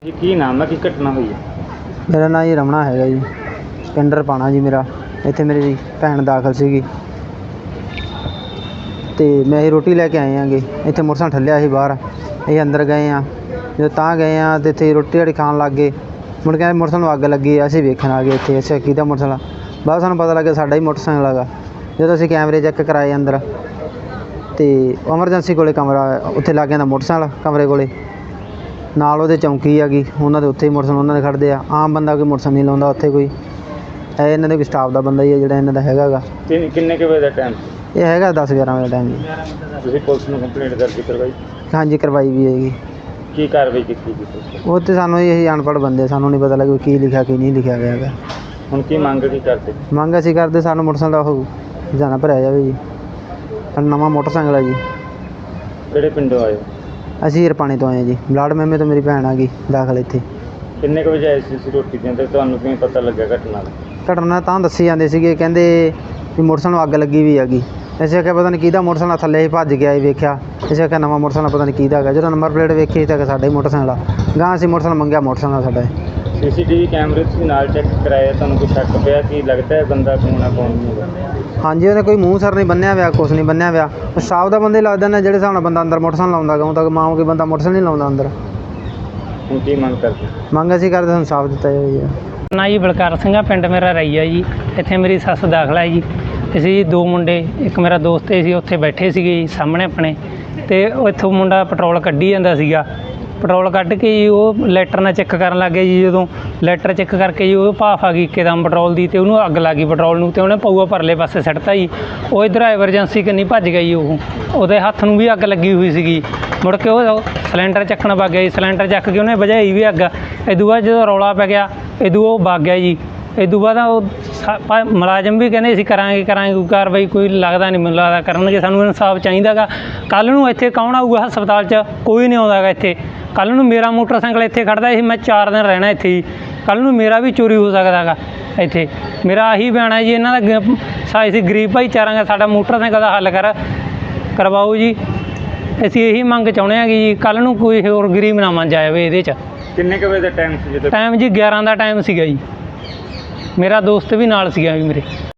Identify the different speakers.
Speaker 1: ਜੀ ਕੀ ਨਾਮ ਹੈ, ਕੀ ਘਟਨਾ ਹੋਈ ਹੈ?
Speaker 2: ਮੇਰਾ ਨਾਂ ਜੀ ਰਮਣਾ ਹੈਗਾ ਜੀ। ਪਿੰਡ ਰਪਾਣਾ ਜੀ ਮੇਰਾ। ਇੱਥੇ ਮੇਰੀ ਭੈਣ ਦਾਖਲ ਸੀਗੀ ਅਤੇ ਮੈਂ ਇਹ ਰੋਟੀ ਲੈ ਕੇ ਆਏ ਹੈਗੇ। ਇੱਥੇ ਮੋਟਰਸਾਈਕਲ ਠੱਲਿਆ ਸੀ ਬਾਹਰ। ਅਸੀਂ ਅੰਦਰ ਗਏ ਹਾਂ, ਜਦੋਂ ਤਾਂ ਗਏ ਹਾਂ ਅਤੇ ਇੱਥੇ ਰੋਟੀ ਰਾਟੀ ਖਾਣ ਲੱਗ ਗਏ। ਮੁੜ ਕੇ ਮੋਟਰਸਾਈਕਲ ਨੂੰ ਅੱਗ ਲੱਗੀ। ਅਸੀਂ ਵੇਖਣ ਆ ਗਏ ਇੱਥੇ, ਅੱਛਾ ਕਿਹਦਾ ਮੋਟਰਸਾਈਕਲ ਆ। ਬਾਅਦ ਸਾਨੂੰ ਪਤਾ ਲੱਗਿਆ ਸਾਡਾ ਹੀ ਮੋਟਰਸਾਈਕਲ ਹੈਗਾ। ਜਦੋਂ ਅਸੀਂ ਕੈਮਰੇ ਚੈੱਕ ਕਰਾਏ ਅੰਦਰ ਅਤੇ ਐਮਰਜੈਂਸੀ ਕੋਲ ਕਮਰਾ ਉੱਥੇ ਲੱਗ ਜਾਂਦਾ ਮੋਟਰਸਾਈਕਲ ਕਮਰੇ ਕੋਲ ਨਾਲ ਉਹਦੇ ਚੌਂਕੀ ਹੈਗੀ। ਉਹਨਾਂ ਦੇ ਉੱਥੇ ਹੀ ਮੋਟਰਸਾਈਕਲ ਉਹਨਾਂ ਦੇ ਖੜ੍ਹਦੇ ਆ। ਆਮ ਬੰਦਾ ਕੋਈ ਮੋਟਰਸਾਈਕਲ ਨਹੀਂ ਲਾਉਂਦਾ ਉੱਥੇ ਕੋਈ। ਇਹ ਇਹਨਾਂ ਦੇ ਕੋਈ ਸਟਾਫ ਦਾ ਬੰਦਾ ਹੀ ਹੈ ਜਿਹੜਾ ਇਹਨਾਂ ਦਾ ਹੈਗਾ ਗਾ।
Speaker 1: ਕਿੰਨੇ ਕੁ ਵਜੇ ਦਾ ਟਾਈਮ?
Speaker 2: ਇਹ ਹੈਗਾ 10-11 ਵਜੇ ਦਾ ਟਾਈਮ ਜੀ।
Speaker 1: ਤੁਸੀਂ ਪੁਲਿਸ ਨੂੰ ਕੰਪਲੇਂਟ ਦਰਜ ਕਰਵਾਈ?
Speaker 2: ਹਾਂਜੀ ਕਰਵਾਈ ਵੀ ਹੈਗੀ।
Speaker 1: ਕੀ ਕਾਰਵਾਈ ਕੀਤੀ ਜੀ ਤੁਸੀਂ?
Speaker 2: ਉਹ ਤਾਂ ਸਾਨੂੰ ਇਹੀ ਅਨਪੜ੍ਹ ਬੰਦੇ, ਸਾਨੂੰ ਨਹੀਂ ਪਤਾ ਲੱਗਿਆ ਕੀ ਲਿਖਿਆ ਕੀ ਨਹੀਂ ਲਿਖਿਆ ਗਿਆ ਹੈਗਾ।
Speaker 1: ਹੁਣ ਕੀ ਮੰਗ ਕੀ ਕਰਦੇ?
Speaker 2: ਮੰਗ ਅਸੀਂ ਕਰਦੇ ਸਾਨੂੰ ਮੋਟਰਸਾਈਕਲ ਦਾ ਉਹ ਖਜ਼ਾਨਾ ਭਰਿਆ ਜਾਵੇ ਜੀ। ਸਾਡਾ ਨਵਾਂ ਮੋਟਰਸਾਈਕਲ ਹੈ ਜੀ।
Speaker 1: ਕਿਹੜੇ ਪਿੰਡੋਂ ਆਏ ਹੋ?
Speaker 2: ਅਸੀਂ ਰਪਾਣੇ ਤੋਂ ਆਏ ਹਾਂ ਜੀ। ਬਲਾਡ ਮਹਿਮੇ ਤੋਂ ਮੇਰੀ ਭੈਣ ਆ ਗਈ ਦਾਖਲ ਇੱਥੇ।
Speaker 1: ਕਿੰਨੇ ਕੁ ਵਜੇ ਆਏ ਸੀ ਤੁਸੀਂ ਰੋਟੀ ਦੇਣ, ਅਤੇ ਤੁਹਾਨੂੰ ਕਿਵੇਂ ਪਤਾ ਲੱਗਿਆ ਘਟਨਾ ਦਾ?
Speaker 2: ਘਟਨਾ ਤਾਂ ਦੱਸੀ ਜਾਂਦੇ ਸੀਗੇ, ਕਹਿੰਦੇ ਵੀ ਮੋਟਰਸਾਈਕਲ ਨੂੰ ਅੱਗ ਲੱਗੀ ਵੀ ਹੈਗੀ। ਅਸੀਂ ਆਖਿਆ ਪਤਾ ਨਹੀਂ ਕਿਹਦਾ ਮੋਟਰਸਾਈਕਲ ਥੱਲੇ ਹੀ ਭੱਜ ਗਿਆ। ਅਸੀਂ ਵੇਖਿਆ, ਅਸੀਂ ਆਖਿਆ ਨਵਾਂ ਮੋਟਰਸਾਈਕਲ ਪਤਾ ਨਹੀਂ ਕਿਹਦਾ ਹੈਗਾ। ਜਦੋਂ ਨੰਬਰ ਪਲੇਟ ਵੇਖੀ ਤਾਂ ਸਾਡਾ ਹੀ ਮੋਟਰਸਾਈਕਲ ਆ। ਗਾਂ ਅਸੀਂ ਮੋਟਰਸਾਈਕਲ ਮੰਗਿਆ, ਮੋਟਰਸਾਈਕਲ ਸਾਡਾ
Speaker 1: CCTV ਕੈਮਰੇ ਤੁਸੀਂ ਨਾਲ ਚੈੱਕ ਕਰਾਇਆ, ਤੁਹਾਨੂੰ ਕੋਈ ਸ਼ੱਕ ਪਿਆ ਕਿ ਲੱਗਦਾ ਹੈ ਬੰਦਾ ਕੌਣ ਆ ਕੌਣ ਨਹੀਂ?
Speaker 2: ਹਾਂਜੀ, ਉਹਨੇ ਕੋਈ ਮੂੰਹ ਸਿਰ ਨਹੀਂ ਬੰਨਿਆ ਹੋਇਆ, ਕੁਛ ਨਹੀਂ ਬੰਨਿਆ ਹੋਇਆ। ਸਟਾਫ ਦਾ ਬੰਦੇ ਲੱਗਦਾ ਨੇ ਜਿਹੜੇ ਹਿਸਾਬ ਨਾਲ ਬੰਦਾ ਅੰਦਰ ਮੋਟਰਸਾਈਕਲ ਲਾਉਂਦਾ ਗਾ। ਹੁਣ ਤੱਕ ਮਾਂ ਕੋਈ ਬੰਦਾ ਮੋਟਰਸਾਈਕਲ ਨਹੀਂ ਲਾਉਂਦਾ ਅੰਦਰ।
Speaker 1: ਹੁਣ ਕੀ ਮੰਗ ਕਰਦੇ?
Speaker 2: ਮੰਗ ਅਸੀਂ ਕਰਦੇ ਸਾਨੂੰ ਸਾਫ਼ ਦਿੱਤਾ ਜਾਵੇ ਜੀ।
Speaker 3: ਨਾ ਜੀ ਬਲਕਾਰ ਸਿੰਘ ਆ, ਪਿੰਡ ਮੇਰਾ ਰਈਆ ਜੀ। ਇੱਥੇ ਮੇਰੀ ਸੱਸ ਦਾਖਲ ਹੈ ਜੀ। ਅਸੀਂ ਦੋ ਮੁੰਡੇ, ਇੱਕ ਮੇਰਾ ਦੋਸਤ ਸੀ, ਉੱਥੇ ਬੈਠੇ ਸੀਗੇ ਜੀ ਸਾਹਮਣੇ ਆਪਣੇ। ਅਤੇ ਉਹ ਇੱਥੋਂ ਮੁੰਡਾ ਪੈਟਰੋਲ ਕੱਢੀ ਜਾਂਦਾ ਸੀਗਾ। ਪੈਟਰੋਲ ਕੱਢ ਕੇ ਜੀ ਉਹ ਲੈਟਰ ਨਾਲ ਚੈੱਕ ਕਰਨ ਲੱਗ ਗਿਆ ਜੀ। ਜਦੋਂ ਲੈਟਰ ਚੈੱਕ ਕਰਕੇ ਜੀ ਉਹ ਭਾਫ ਆ ਗਈ ਇੱਕਦਮ ਪੈਟਰੋਲ ਦੀ, ਅਤੇ ਉਹਨੂੰ ਅੱਗ ਲੱਗ ਗਈ ਪੈਟਰੋਲ ਨੂੰ, ਅਤੇ ਉਹਨੇ ਪਊਆ ਪਰਲੇ ਪਾਸੇ ਸੁੱਟਤਾ ਜੀ। ਉਹ ਇੱਧਰ ਐਮਰਜੈਂਸੀ ਕੰਨੀ ਭੱਜ ਗਿਆ ਜੀ। ਉਹਦੇ ਹੱਥ ਨੂੰ ਵੀ ਅੱਗ ਲੱਗੀ ਹੋਈ ਸੀਗੀ। ਮੁੜ ਕੇ ਉਹ ਸਿਲੰਡਰ ਚੱਕਣ ਵਗ ਗਿਆ ਜੀ। ਸਿਲੰਡਰ ਚੱਕ ਕੇ ਉਹਨੇ ਬੁਝਾਈ ਵੀ ਅੱਗ। ਇਦੋਂ ਬਾਅਦ ਜਦੋਂ ਰੌਲਾ ਪੈ ਗਿਆ, ਇਦੋਂ ਉਹ ਵਗ ਗਿਆ ਜੀ। ਇਦੋਂ ਬਾਅਦ ਉਹ ਮੁਲਾਜ਼ਮ ਵੀ ਕਹਿੰਦੇ ਅਸੀਂ ਕਰਾਂਗੇ ਕੋਈ ਕਾਰਵਾਈ, ਕੋਈ ਲੱਗਦਾ ਨਹੀਂ ਮੈਨੂੰ ਲੱਗਦਾ ਕਰਨਗੇ। ਸਾਨੂੰ ਇਨਸਾਫ ਚਾਹੀਦਾ ਗਾ। ਕੱਲ੍ਹ ਨੂੰ ਇੱਥੇ ਕੌਣ ਆਊਗਾ ਹਸਪਤਾਲ 'ਚ? ਕੋਈ ਨਹੀਂ ਆਉਂਦਾ ਗਾ ਇੱਥੇ। ਕੱਲ੍ਹ ਨੂੰ ਮੇਰਾ ਮੋਟਰਸਾਈਕਲ ਇੱਥੇ ਖੜ੍ਹਦਾ ਸੀ, ਮੈਂ 4 ਦਿਨ ਰਹਿਣਾ ਇੱਥੇ ਜੀ। ਕੱਲ੍ਹ ਨੂੰ ਮੇਰਾ ਵੀ ਚੋਰੀ ਹੋ ਸਕਦਾ ਗਾ ਇੱਥੇ। ਮੇਰਾ ਆਹੀ ਬਿਆਨ ਹੈ ਜੀ ਇਹਨਾਂ ਦਾ। ਅਸੀਂ ਗਰੀਬ ਭਾਈਚਾਰਾ ਗਾ, ਸਾਡਾ ਮੋਟਰਸਾਈਕਲ ਦਾ ਹੱਲ ਕਰਵਾਓ ਜੀ। ਅਸੀਂ ਇਹੀ ਮੰਗ ਚਾਹੁੰਦੇ ਹਾਂ ਕਿ ਜੀ ਕੱਲ੍ਹ ਨੂੰ ਕੋਈ ਹੋਰ ਗਰੀਬ ਨਾ ਮੰਨ ਜਾਵੇ ਇਹਦੇ 'ਚ।
Speaker 1: ਕਿੰਨੇ ਕੁ ਵਜੇ ਦਾ ਟਾਈਮ ਸੀ ਜਦੋਂ?
Speaker 3: ਟਾਈਮ ਜੀ 11 ਦਾ ਟਾਈਮ ਸੀਗਾ ਜੀ। ਮੇਰਾ ਦੋਸਤ ਵੀ ਨਾਲ ਸੀਗਾ ਜੀ ਮੇਰੇ।